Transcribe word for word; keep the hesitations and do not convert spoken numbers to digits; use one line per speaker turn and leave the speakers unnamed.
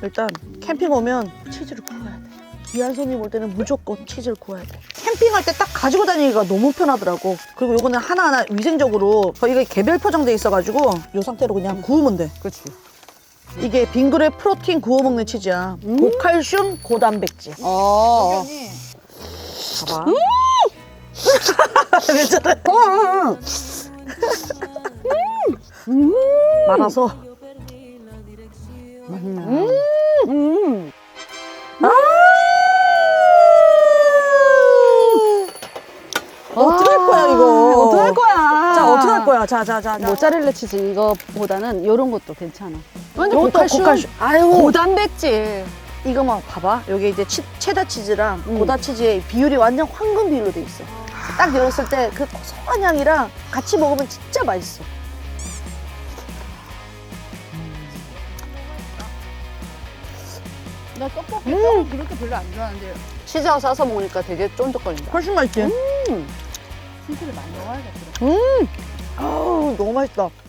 일단 캠핑 오면 치즈를 구워야 돼. 귀한 손님 올 때는 무조건 치즈를 구워야 돼. 캠핑할 때 딱 가지고 다니기가 너무 편하더라고. 그리고 요거는 하나하나 위생적으로 이게 개별 포장돼 있어가지고 요 상태로 그냥 구우면 돼.
그렇지.
이게 빙그레 프로틴 구워 먹는 치즈야.
음.
고칼슘, 고단백질.
어.
봐봐. 괜찮아.
음.
말아서.
음. 음.
어떡할 거야 이거?
어떡할 거야?
자 어떡할 거야? 자 자 자.
모짜렐라 치즈 이거보다는 이런 것도 괜찮아. 완전
요것도
고칼슘.
고칼슘. 아유.
고단백질.
이거만 봐봐. 여기 이제 치, 체다 치즈랑
음.
고다 치즈의 비율이 완전 황금 비율로 돼 있어. 딱 열었을 때 그 고소한 향이랑 같이 먹으면 진짜 맛있어.
나 떡볶이 음. 그렇게 별로 안 좋아하는데 치즈하고 싸서 먹으니까 되게 쫀득거린다.
훨씬 맛있지?
음. 치즈를 많이 넣어야겠다.
음. 아우 너무 맛있다.